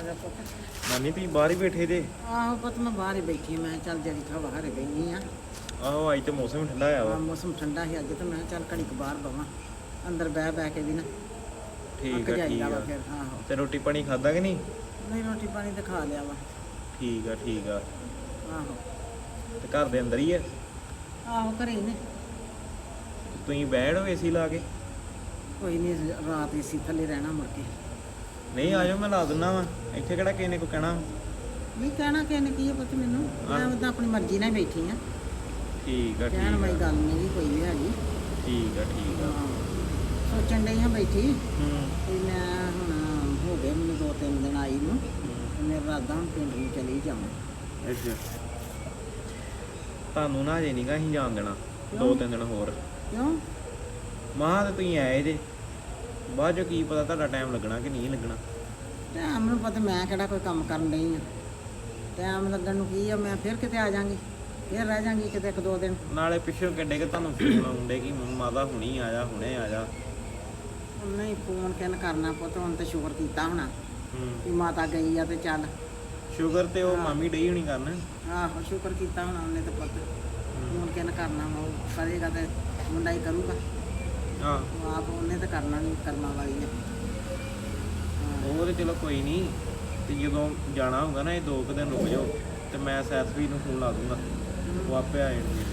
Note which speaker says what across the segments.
Speaker 1: ਗਿਆ ਪੁੱਤ।
Speaker 2: ਨਾਨੀ ਤੁਸੀਂ ਬਾਹਰ ਹੀ ਬੈਠੇ ਜੇ?
Speaker 1: ਆਹੋ ਪੁੱਤ ਮੈਂ ਬਾਹਰ ਹੀ ਬੈਠੀ ਮੈਂ ਚੱਲ ਜਿਹੜੀ ਹਵਾ ਹਰੇ ਬੈਣੀ ਆ।
Speaker 2: ਆਹੋ ਅੱਜ ਤੇ ਮੌਸਮ ਠੰਡਾ ਆ ਵਾ।
Speaker 1: ਮੌਸਮ ਠੰਡਾ ਸੀ ਅੱਜ ਤੇ ਮੈਂ ਚੱਲ ਘੜੀ ਕੁ ਬਾਹਰ ਬਵਾਂ ਅੰਦਰ ਬਹਿ ਕੇ ਵੀ ਨਾ
Speaker 2: ਠੀਕ ਆ ਠੀਕ ਆ।
Speaker 1: ਫਿਰ ਆਹੋ
Speaker 2: ਤੇ ਰੋਟੀ ਪਾਣੀ ਖਾਦਾ ਕਿ ਨਹੀਂ?
Speaker 1: ਨਹੀਂ ਰੋਟੀ ਪਾਣੀ ਤਾਂ ਖਾ ਲਿਆ ਵਾ।
Speaker 2: ਠੀਕ ਆ ਠੀਕ ਆ।
Speaker 1: ਆਹੋ
Speaker 2: ਤੇ ਘਰ ਦੇ ਅੰਦਰ ਹੀ ਆ?
Speaker 1: ਆਹੋ ਘਰੇ ਹੀ ਨੇ।
Speaker 2: ਤੁਸੀਂ ਬੈਠੋ ਏਸੀ ਲਾ ਕੇ।
Speaker 1: ਕੋਈ ਨਹੀਂ ਰਾਤ ਏਸੀ ਥੱਲੇ ਰਹਿਣਾ ਮੁੜ ਕੇ।
Speaker 2: ਨਹੀਂ ਆ ਜਾਓ ਮੈਂ ਲਾ ਦਿੰਦਾ ਵਾ। ਇੱਥੇ ਕਿਹੜਾ ਕਿਸੇ ਨੇ ਕੋਈ ਕਹਿਣਾ।
Speaker 1: ਨਹੀਂ ਕਹਿਣਾ ਕਿਸੇ ਨੇ ਕੀ ਆ ਪੁੱਤ ਮੈਨੂੰ ਮੈਂ ਉਹਦਾ ਆਪਣੀ ਮਰਜ਼ੀ ਨਾਲ ਹੀ ਬੈਠੀ ਆ।
Speaker 2: ਠੀਕ ਆ
Speaker 1: ਕਹਿਣ
Speaker 2: ਠੀਕ
Speaker 1: ਵਾਲੀ
Speaker 2: ਆ।
Speaker 1: ਗੱਲ ਨਹੀਂ ਕੋਈ ਵੀ ਹੈਗੀ।
Speaker 2: ਠੀਕ ਆ ਠੀਕ ਆ।
Speaker 1: ਸੋਚਣ ਡਈ ਹਾਂ ਬੈਠੀ
Speaker 2: ਹੂੰ
Speaker 1: ਵੀ ਮੈਂ ਹੁਣ ਹੋ ਗਏ ਮੈਨੂੰ 2-3 ਦਿਨ ਆਈ ਨੂੰ ਤੇ ਮੇਰਾ ਇਰਾਦਾ ਹੁਣ ਪਿੰਡ ਨੂੰ ਚਲੀ ਜਾਵਾਂ।
Speaker 2: ਅੱਛਾ ਤੁਹਾਨੂੰ ਨਾ ਅਜੇ ਨਹੀਂਗਾ ਅਸੀਂ ਜਾਣ ਦੇਣਾ।
Speaker 1: ਕਿਉਂ?
Speaker 2: 2-3 ਦਿਨ ਹੋਰ
Speaker 1: ਕਿਉਂ?
Speaker 2: ਮਾਂ ਤੇ ਤੁਸੀਂ ਆਏ ਜੇ ਬਾਅਦ ਚੋਂ ਕੀ ਪਤਾ ਤੁਹਾਡਾ ਟਾਈਮ ਲੱਗਣਾ ਕਿ ਨਹੀਂ ਲੱਗਣਾ।
Speaker 1: ਟਾਈਮ ਨੂੰ ਪਤਾ ਮੈਂ ਕਿਹੜਾ ਕੋਈ ਕੰਮ ਕਰਨ ਡਈ ਆ। ਟਾਈਮ ਲੱਗਣ ਨੂੰ ਕੀ ਆ ਮੈਂ ਫਿਰ ਕਿਤੇ ਆ ਜਾਾਂਗੀ ਫਿਰ ਰਹਿ ਜਾਾਂਗੀ ਕਿਤੇ 1-2 ਦਿਨ।
Speaker 2: ਨਾਲੇ ਪਿੱਛੋਂ ਕਿੱਡੇ ਕਿ ਤੁਹਾਨੂੰ ਫੋਨ ਆਉਂਦੇ ਕਿ ਮਾਤਾ ਹੁਣੀ ਆ ਜਾ ਹੁਣੇ ਆ ਜਾ।
Speaker 1: ਨਹੀਂ ਫੋਨ ਕਿਨ ਕਰਨਾ ਪੁੱਤ ਹੁਣ ਤੇ ਸ਼ੁਕਰ ਕੀਤਾ ਹੋਣਾ
Speaker 2: ਹੂੰ
Speaker 1: ਵੀ ਮਾਤਾ ਗਈ ਆ ਤੇ ਚੱਲ।
Speaker 2: ਸ਼ੂਗਰ ਤੇ ਉਹ ਮਾਮੀ ਡਈ ਹੋਣੀ ਕਰਨ।
Speaker 1: ਆਹੋ ਸ਼ੁਕਰ ਕੀਤਾ ਹੋਣਾ ਉਹਨੇ ਤੇ ਪੁੱਤ ਫੋਨ ਕਿਨ ਕਰਨਾ ਵਾ, ਉਹ ਕਰੇਗਾ ਤੇ ਮੁੰਡਾ ਹੀ ਕਰੂਗਾ।
Speaker 2: ਹਾਂ
Speaker 1: ਉਹ ਆਪ ਉਹਨੇ ਤੇ ਕਰਨਾ ਨਹੀਂ ਕਰਨਾ ਵਾਲੀ ਨੇ।
Speaker 2: ਉਹ ਤੇ ਚਲੋ ਕੋਈ ਨਹੀਂ। ਤੇ ਜਦੋਂ ਜਾਣਾ ਹੋਊਗਾ ਨਾ ਇਹ 2 ਦਿਨ ਰੁਕ ਜਾਓ ਤੇ ਮੈਂ ਸੈਸਵੀ ਨੂੰ ਫੋਨ ਲਾ ਦੂੰਗਾ ਉਹ ਆਪੇ ਆ ਜਾਣਗੇ।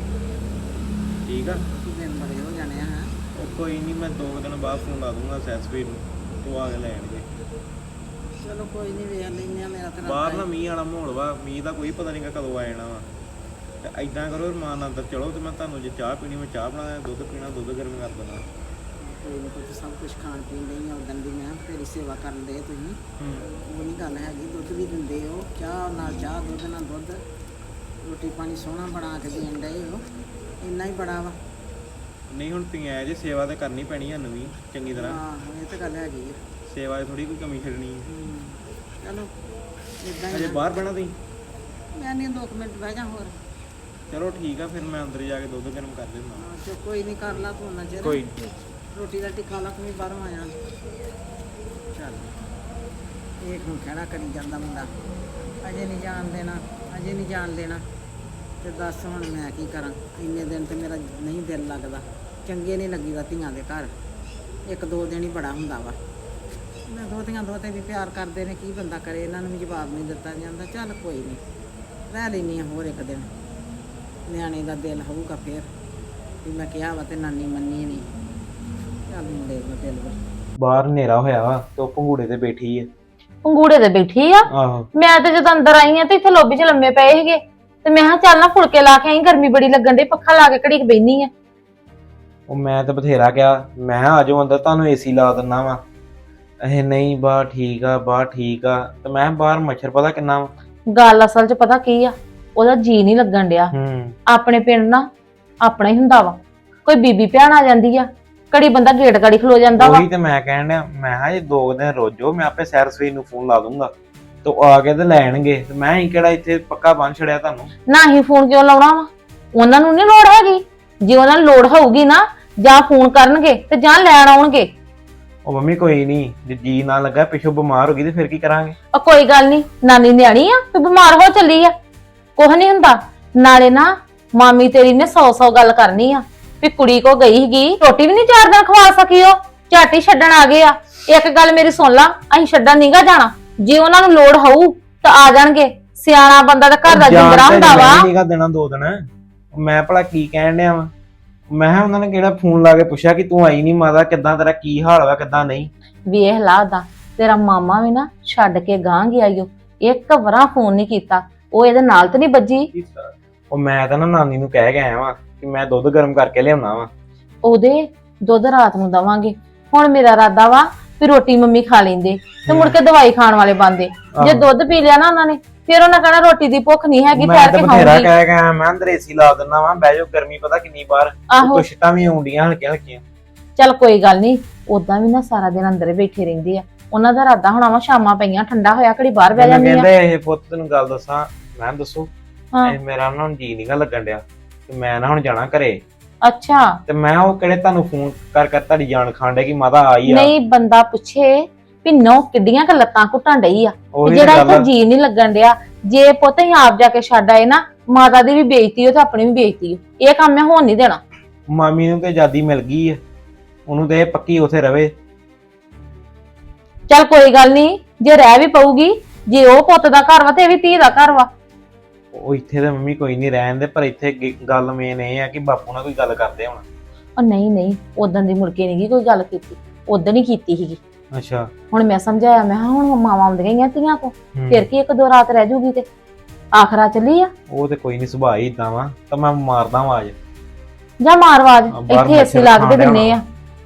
Speaker 2: ਠੀਕ ਆ
Speaker 1: ਦਿਨ ਬੜੇ ਹੋ ਜਾਣੇ ਆ ਹੈਂ।
Speaker 2: ਉਹ ਕੋਈ ਨਹੀਂ ਮੈਂ 2 ਦਿਨ ਬਾਅਦ ਫੋਨ ਲਾ ਦੂੰਗਾ ਸੈਸਵੀ ਨੂੰ ਉਹ ਆ ਕੇ ਲੈ ਆਣਗੇ।
Speaker 1: ਚਲੋ ਕੋਈ ਨਹੀਂ ਵੇਖ ਲੈਂਦੇ ਆ ਮੇਰਾ ਤਾਂ
Speaker 2: ਬਾਹਰ ਨਾ ਮੀਂਹ ਵਾਲਾ ਮਾਹੌਲ ਵਾ। ਮੀਂਹ ਦਾ ਕੋਈ ਪਤਾ ਨਹੀਂਗਾ ਕਦੋਂ ਆ ਜਾਣਾ ਵਾ। ਤੇ ਐਦਾਂ ਕਰੋ ਰਮਾਨ ਨਾਲ ਅੰਦਰ ਚਲੋ ਤੇ ਮੈਂ ਤੁਹਾਨੂੰ ਜੇ ਚਾਹ ਪੀਣੀ ਮੈਂ ਚਾਹ ਬਣਾ ਦਿਆਂ, ਦੁੱਧ ਪੀਣਾ ਦੁੱਧ ਗਰਮ ਕਰ ਦੇਣਾ।
Speaker 1: ਕੋਈ ਨਹੀਂ ਪੁੱਤ ਸਭ ਕੁਝ ਖਾਣ ਪੀਣ ਲਈ ਆ ਉਦੋਂ ਦੀ ਮੈਂ ਤੇਰੀ ਸੇਵਾ ਕਰਨ ਦੇ ਤੁਸੀਂ ਉਹ ਨਹੀਂ ਗੱਲ ਹੈਗੀ। ਦੁੱਧ ਵੀ ਦਿੰਦੇ ਹੋ ਚਾਹ ਨਾਲ ਚਾਹ ਦੁੱਧ ਨਾਲ ਦੁੱਧ ਰੋਟੀ ਪਾਣੀ ਸੋਹਣਾ ਬਣਾ ਕੇ ਦੇਣ ਡਏ ਹੋ ਇੰਨਾ ਹੀ ਬੜਾ ਵਾ।
Speaker 2: ਨਹੀਂ ਹੁਣ ਤੁਸੀਂ ਆਏ ਜੇ ਸੇਵਾ ਤੇ ਕਰਨੀ ਪੈਣੀ ਸਾਨੂੰ ਵੀ ਚੰਗੀ ਤਰ੍ਹਾਂ।
Speaker 1: ਹਾਂ ਇਹ ਤਾਂ ਗੱਲ ਹੈਗੀ ਆ।
Speaker 2: ਸੇਵਾ 'ਚ ਥੋੜੀ ਕੋਈ ਕਮੀ ਛੱਡਣੀ ਹੈ।
Speaker 1: ਚਲੋ ਇਦਾਂ
Speaker 2: ਅਜੇ
Speaker 1: ਹੀ
Speaker 2: ਬਾਹਰ ਬਹਿਣਾ ਤੁਸੀਂ?
Speaker 1: ਮੈਂ ਨਹੀਂ 2 ਮਿੰਟ ਬਹਿ ਜਾ ਹੋਰ।
Speaker 2: ਚਲੋ ਠੀਕ ਆ ਫਿਰ ਮੈਂ ਅੰਦਰ ਜਾ ਕੇ ਦੁੱਧ ਗਰਮ ਕਰ ਦਿੰਦਾ।
Speaker 1: ਚੋ ਕੋਈ ਨਹੀਂ ਕਰ ਲਾ ਤੂੰ ਨਾ ਚਿਰ
Speaker 2: ਕੋਈ
Speaker 1: ਰੋਟੀ ਰਾਟੀ ਖਾ ਲਾ ਤੂੰ ਵੀ ਬਾਹਰੋਂ ਆਇਆ। ਚੱਲ ਇਹ ਹੁਣ ਖੜਾ ਕਰੀ ਜਾਂਦਾ ਮੁੰਡਾ ਅਜੇ ਨਹੀਂ ਜਾਣ ਦੇਣਾ ਅਜੇ ਨਹੀਂ ਜਾਣ ਦੇਣਾ। ਤੇ ਦੱਸ ਹੁਣ ਮੈਂ ਕੀ ਕਰਾਂ। ਇੰਨੇ ਦਿਨ ਤੇ ਮੇਰਾ ਨਹੀਂ ਦਿਲ ਲੱਗਦਾ ਚੰਗੇ ਨਹੀਂ ਲੱਗੀਦਾ ਧੀਆਂ ਦੇ ਘਰ। 1-2 ਦਿਨ ਹੀ ਬੜਾ ਹੁੰਦਾ ਵਾ। ਮੈਂ ਦੋਤੇ ਵੀ ਪਿਆਰ ਕਰਦੇ ਨੇ ਕੀ ਬੰਦਾ ਕਰੇ ਇਹਨਾਂ ਨੂੰ ਵੀ ਜਵਾਬ ਨਹੀਂ ਦਿੱਤਾ ਜਾਂਦਾ। ਚੱਲ ਕੋਈ ਨਹੀਂ ਰਹਿ ਲੈਂਦੀ ਹਾਂ ਹੋਰ 1 ਦਿਨ ਨਿਆਣੇ ਦਾ ਦਿਲ ਹੋਊਗਾ ਫਿਰ ਵੀ ਮੈਂ ਕਿਹਾ ਵਾ ਤੇ ਨਾਨੀ ਮੰਨੀ ਨਹੀਂ। ਚੱਲ ਮੁੰਡੇ ਦਾ ਦਿਲ ਵਾ।
Speaker 2: ਬਾਹਰ ਹਨੇਰਾ ਹੋਇਆ ਵਾ ਤੇ ਉਹ ਪੰਗੂੜੇ ਤੇ ਬੈਠੀ ਹੈ।
Speaker 3: ਪੰਗੂੜੇ ਤੇ ਬੈਠੀ ਆ।
Speaker 2: ਆਹੋ
Speaker 3: ਮੈਂ ਤੇ ਜਦੋਂ ਅੰਦਰ ਆਈ ਆ ਤੇ ਇੱਥੇ ਲੋਬੀ 'ਚ ਲੰਮੇ ਪਏ ਸੀਗੇ ਤੇ ਮੈਂ ਕਿਹਾ ਚੱਲ ਨਾ ਫੁਲਕੇ ਲਾ ਕੇ ਆਈ ਗਰਮੀ ਬੜੀ ਲੱਗਣ ਡਈ ਪੱਖਾ ਲਾ ਕੇ ਘੜੀ ਕੁ ਬੈਣੀ ਆ।
Speaker 2: ਉਹ ਮੈਂ ਤਾਂ ਬਥੇਰਾ ਕਿਹਾ ਮੈਂ ਆ ਜਾਓ ਅੰਦਰ ਤੁਹਾਨੂੰ ਏਸੀ ਲਾ ਦਿੰਦਾ ਵਾ। ਇਹ ਨਹੀਂ ਬਾਹਰ ਠੀਕ ਆ ਬਾਹਰ ਠੀਕ ਆ। ਤੇ ਮੈਂ ਬਾਹਰ ਮੱਛਰ ਪਤਾ ਕਿੰਨਾ ਵਾ।
Speaker 3: ਗੱਲ ਅਸਲ 'ਚ ਪਤਾ ਕੀ ਆ ਉਹਦਾ ਜੀ ਨਹੀਂ ਲੱਗਣ ਡਿਆ। ਆਪਣੇ ਪਿੰਡ ਨਾ ਆਪਣਾ ਹੀ ਹੁੰਦਾ ਵਾ। ਕੋਈ ਬੀਬੀ ਭੈਣ ਆ ਜਾਂਦੀ ਆ ਘੜੀ ਬੰਦਾ ਗੇਟ ਗਾੜੀ ਖਲੋ ਜਾਂਦਾ ਵਾ।
Speaker 2: ਉਹੀ ਤੇ ਮੈਂ ਕਹਿਣ ਡਿਆ ਮੈਂ ਕਿਹਾ ਜੇ 2 ਦਿਨ ਰੋਜੋ ਮੈਂ ਆਪੇ ਸੈਰ ਸਵੇਰ ਨੂੰ ਫੋਨ ਲਾ ਦੂੰਗਾ ਤੇ ਉਹ ਆ ਕੇ ਤੇ ਲੈਣਗੇ। ਤੇ ਮੈਂ ਹੀ ਕਿਹੜਾ ਇੱਥੇ ਪੱਕਾ ਬੰਨ ਛੜਿਆ ਤੁਹਾਨੂੰ।
Speaker 3: ਨਾ ਹੀ ਫੋਨ ਕਿਉਂ ਲਾਉਣਾ ਵਾ ਉਹਨਾਂ ਨੂੰ ਨਹੀਂ ਲੋੜ ਹੈਗੀ। ਜੇ ਉਹਨਾਂ ਨੂੰ ਲੋੜ ਹੋਊਗੀ ਨਾ ਜਾਂ ਫੋਨ ਕਰਨਗੇ ਤੇ ਜਾਂ ਲੈਣ ਆਉਣਗੇ।
Speaker 2: ਉਹ ਮੰਮੀ ਕੋਈ ਨਹੀਂ ਜੇ ਜੀ ਨਾ ਲੱਗਾ ਪਿੱਛੋਂ ਬਿਮਾਰ ਹੋ ਗਈ ਤੇ ਫਿਰ ਕੀ ਕਰਾਂਗੇ।
Speaker 3: ਉਹ ਕੋਈ ਗੱਲ ਨਹੀਂ ਨਾਨੀ ਨਿਆਣੀ ਆ ਤੇ ਬਿਮਾਰ ਹੋ ਚੱਲੀ ਆ ਕੁਛ ਨਹੀਂ ਹੁੰਦਾ। ਨਾਲੇ ਨਾ ਮਾਮੀ ਤੇਰੀ ਨੇ 100 ਗੱਲ ਕਰਨੀ ਆ ਵੀ ਕੁੜੀ ਕੋ ਗਈ ਸੀਗੀ ਰੋਟੀ ਵੀ ਨਹੀਂ 4 ਦਿਨ ਖਵਾ ਸਕੀ ਉਹ ਝਾਟੀ ਛੱਡਣ ਆ ਗਏ ਆ। ਇੱਕ ਗੱਲ ਮੇਰੀ ਸੁਣ ਲਾ ਅਸੀਂ ਛੱਡਣ ਨਹੀਂਗਾ ਜਾਣਾ। ਜੇ ਉਹਨਾਂ ਨੂੰ ਲੋੜ ਹੋਊ ਤਾਂ ਆ ਜਾਣਗੇ। ਸਿਆਣਾ ਬੰਦਾ ਤਾਂ ਘਰ ਦਾ ਜਿੰਦਰਾ ਹੁੰਦਾ ਵਾ।
Speaker 2: ਨਹੀਂਗਾ ਦੇਣਾ 2 ਦਿਨ। ਮੈਂ ਭਲਾ ਕੀ ਕਹਿਣ ਡਿਆ ਵਾ। ਮੈਂ ਕਿਹਾ ਉਹਨਾਂ ਨੇ ਕਿਹੜਾ ਫੋਨ ਲਾ ਕੇ ਪੁੱਛਿਆ ਕਿ ਤੂੰ ਆਈ ਨਹੀਂ ਮਾਤਾ ਕਿੱਦਾਂ ਤੇਰਾ ਕੀ ਹਾਲ ਵਾ ਕਿੱਦਾਂ ਨਹੀਂ।
Speaker 3: ਵੇਖ ਲਾ ਦਾ ਤੇਰਾ ਮਾਮਾ ਵੀ ਨਾ ਛੱਡ ਕੇ ਗਾਂ ਗਿਆ ਈਓ 1 ਵਾਰ ਫੋਨ ਨਹੀਂ ਕੀਤਾ। ਉਹ ਇਹਦੇ ਨਾਲ ਤੇ ਨਹੀਂ ਵੱਜੀ।
Speaker 2: ਉਹ ਮੈਂ ਤਾਂ ਨਾ ਨਾਨੀ ਨੂੰ ਕਹਿ ਕੇ ਆਇਆ ਵਾਂ ਕਿ ਮੈਂ ਦੁੱਧ ਗਰਮ ਕਰਕੇ ਲਿਆਉਣਾ ਵਾ।
Speaker 3: ਉਹਦੇ ਦੁੱਧ ਰਾਤ ਨੂੰ ਦਵਾਂਗੇ। ਹੁਣ ਮੇਰਾ ਇਰਾਦਾ ਵਾ ਵੀ ਰੋਟੀ ਮੰਮੀ ਖਾ ਲੈਂਦੇ ਤੇ ਮੁੜ ਕੇ ਦਵਾਈ ਖਾਣ ਵਾਲੇ ਬੰਦੇ। ਜੇ ਦੁੱਧ ਪੀ ਲਿਆ ਨਾ ਉਹਨਾਂ ਨੇ ਫਿਰ ਉਹਨਾਂ ਕਹਿਣਾ ਰੋਟੀ ਦੀ ਭੁੱਖ ਨਹੀਂ ਹੈਗੀ ਠਹਿਰ ਕੇ
Speaker 2: ਬਥੇਰਾ
Speaker 3: ਖਾਊਂਗੀ।
Speaker 2: ਕਹਿ ਕੇ ਆਇਆ ਮੈਂ ਅੰਦਰ ਏਸੀ ਲਾ ਦਿੰਦਾ ਵਾਂ ਬਹਿ ਜਾਓ ਗਰਮੀ ਪਤਾ ਕਿੰਨੀ ਬਾਹਰ ਕੁਛਟਾਂ ਵੀ ਆਉਂਦੀਆਂ ਹਲਕੀਆਂ ਹਲਕੀਆਂ।
Speaker 3: ਚੱਲ ਕੋਈ ਗੱਲ ਨਹੀਂ ਉਦਾਂ ਵੀ ਨਾ ਸਾਰਾ ਦਿਨ ਅੰਦਰ ਬੈਠੇ ਰਹਿੰਦੇ ਆ। ਉਹਨਾਂ ਦਾ ਇਰਾਦਾ ਹੋਣਾ ਵਾ ਸ਼ਾਮਾਂ ਪਈਆਂ ਠੰਡਾ ਹੋਇਆ ਘੜੀ ਬਾਹਰ ਬਹਿ ਜਾਂਦੀ ਆ।
Speaker 2: ਕਹਿੰਦੇ ਇਹ ਪੁੱਤ ਤੈਨੂੰ ਗੱਲ ਦੱਸਾਂ ਮੈਂ ਦੱਸੋ
Speaker 3: ਹਾਂ।
Speaker 2: ਇਹ ਮੇਰਾ ਨਾ ਹੁਣ ਜੀ ਨੀਗਾ ਲੱਗਣ ਡਿਆ ਤੇ ਮੈਂ ਨਾ ਹੁਣ ਜਾਣਾ ਘਰੇ।
Speaker 3: ਅੱਛਾ
Speaker 2: ਤੇ ਮੈਂ ਉਹ ਕਿਹੜੇ ਤੁਹਾਨੂੰ ਫੋਨ ਕਰ ਤੁਹਾਡੀ ਜਾਨ ਖਾਣ ਡੇ ਕਿ ਮਾਤਾ ਆਈ ਆ।
Speaker 3: ਨਹੀਂ ਬੰਦਾ ਪੁੱਛੇ ਵੀ ਨੋ ਕਿੱਡੀਆਂ ਕ ਲੱਤਾਂ ਘੁੱਟਣ ਡਈ ਆ ਤੇ
Speaker 2: ਉਹੀ
Speaker 3: ਜਿਹੜਾ
Speaker 2: ਗੱਲ
Speaker 3: ਇੱਥੇ
Speaker 2: ਆ।
Speaker 3: ਜੀ ਨਹੀਂ ਲੱਗਣ ਡਿਆ। ਜੇ ਪੁੱਤ ਹੀ ਆਪ ਜਾ ਕੇ ਛੱਡ ਆਏ ਨਾ, ਮਾਤਾ ਦੀ ਵੀ ਬੇਇੱਜ਼ਤੀ ਹੋ ਤੇ ਆਪਣੀ ਵੀ ਬੇਇੱਜ਼ਤੀ ਹੋ। ਇਹ ਕੰਮ ਮੈਂ ਹੋਣ ਨਹੀਂ ਦੇਣਾ।
Speaker 2: ਮਾਮੀ ਨੂੰ ਤੇ ਆਜ਼ਾਦੀ ਮਿਲ ਗਈ ਆ, ਉਹਨੂੰ ਤੇ ਇਹ ਪੱਕੀ ਉਥੇ ਰਵੇ।
Speaker 3: ਚੱਲ ਕੋਈ ਗੱਲ ਨਹੀਂ, ਜੇ ਰਹਿ ਵੀ ਪਊਗੀ, ਜੇ ਉਹ ਪੁੱਤ ਦਾ ਘਰ ਵਾ ਤੇ ਇਹ ਵੀ ਧੀ ਦਾ ਘਰ ਵਾ।
Speaker 2: ਉਹ ਇੱਥੇ ਤੇ ਮੰਮੀ ਕੋਈ ਨਹੀਂ ਰਹਿਣ ਦੇ, ਪਰ ਇੱਥੇ ਗੱਲ ਮੇਨ ਇਹ ਆ ਕਿ ਬਾਪੂ ਨਾਲ ਕੋਈ ਗੱਲ ਕਰਦੇ ਹੁਣ।
Speaker 3: ਉਹ ਨਹੀਂ ਉਦੋਂ ਦੀ ਮੁੜ ਕੇ ਨਹੀਂ ਕੋਈ ਗੱਲ ਕੀਤੀ, ਉਦੋਂ ਹੀ ਕੀਤੀ ਸੀਗੀ।
Speaker 2: ਅੱਛਾ।
Speaker 3: ਹੁਣ ਮੈਂ ਸਮਝਾਇਆ, ਮੈਂ ਕਿਹਾ ਹੁਣ ਮਾਵਾਂ ਆਉਂਦੀਆਂ ਹੀ ਆ ਧੀਆਂ ਕੋ,
Speaker 2: ਹੂੰ।
Speaker 3: ਫਿਰ ਕੀ ਇੱਕ ਦੋ ਰਾਤ ਰਹਿ ਜੂਗੀ ਤੇ ਆਖਰਾ ਚੱਲੀ ਆ।
Speaker 2: ਉਹ ਤੇ ਕੋਈ ਨਹੀਂ, ਸੁਭਾਅ ਹੀ ਇਦਾਂ ਵਾ, ਤਾਂ ਮੈਂ ਮਾਰਦਾ ਆਵਾਜ਼।
Speaker 3: ਜਾਂ ਮਾਰਵਾਜ
Speaker 2: ਬਾਹਰ
Speaker 3: ਇੱਥੇ ਏਸੀ
Speaker 2: ਮੱਛਰ
Speaker 3: ਲੱਗ ਦੇ
Speaker 2: ਖਾਣ
Speaker 3: ਦਿੰਨੇ ਆ।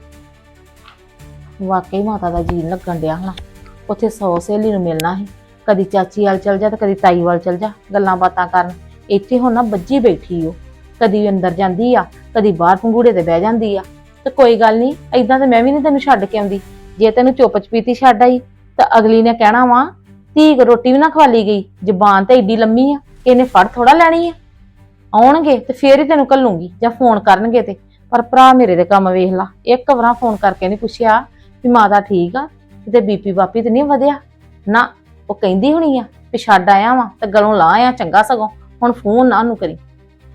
Speaker 3: ਵਾਕਈ ਮਾਤਾ ਦਾ ਜੀਣ ਲੱਗਣ ਡਿਆ ਹਣਾ। ਉੱਥੇ 100 ਸਹੇਲੀ ਨੂੰ ਮਿਲਣਾ ਸੀ, ਕਦੀ ਚਾਚੀ ਵਾਲ ਚਲ ਜਾ ਤੇ ਕਦੀ ਤਾਈ ਵਾਲ ਚਲ ਜਾ ਗੱਲਾਂ ਬਾਤਾਂ ਕਰਨ। ਇੱਥੇ ਹੁਣ ਨਾ ਬੱਜੀ ਬੈਠੀ ਓ, ਕਦੀ ਅੰਦਰ ਜਾਂਦੀ ਆ, ਕਦੀ ਬਾਹਰ ਪੰਗੂੜੇ ਤੇ ਬਹਿ ਜਾਂਦੀ ਆ। ਤੇ ਕੋਈ ਗੱਲ ਨਹੀਂ, ਏਦਾਂ ਤੇ ਮੈਂ ਵੀ ਨਹੀਂ ਤੈਨੂੰ ਛੱਡ ਕੇ ਆਉਂਦੀ। ਜੇ ਤੈਨੂੰ ਚੁੱਪ ਚਪੀਤੀ ਛੱਡ ਆਈ ਤਾਂ ਅਗਲੀ ਨੇ ਕਹਿਣਾ ਵਾ ਧੀ ਕੋ ਰੋਟੀ ਵੀ ਨਾ ਖਵਾਲੀ ਗਈ, ਜ਼ਬਾਨ ਤੇ ਏਡੀ ਲੰਮੀ ਆ, ਇਹਨੇ ਫੜ ਥੋੜਾ ਲੈਣੀ ਆ। ਆਉਣਗੇ ਤੇ ਫੇਰ ਹੀ ਤੈਨੂੰ ਘੱਲੂਗੀ, ਜਾਂ ਫੋਨ ਕਰਨਗੇ ਤੇ। ਪਰ ਭਰਾ ਮੇਰੇ ਦੇ ਕੰਮ ਵੇਖ ਲਾ, ਇੱਕ ਵਾਰ ਫੋਨ ਕਰਕੇ ਨਹੀਂ ਪੁੱਛਿਆ ਵੀ ਮਾਤਾ ਠੀਕ ਆ, ਤੇ ਬੀਪੀ ਬਾਪੀ ਤੇ ਨਹੀਂ ਵਧਿਆ ਨਾ। ਉਹ ਕਹਿੰਦੀ ਹੋਣੀ ਆ ਵੀ ਛੱਡ ਆਇਆ ਵਾ ਤੇ ਗਲੋਂ ਲਾ ਆਇਆ ਚੰਗਾ, ਸਗੋਂ ਹੁਣ ਫੋਨ ਨਾ ਉਹਨੂੰ ਕਰੀ।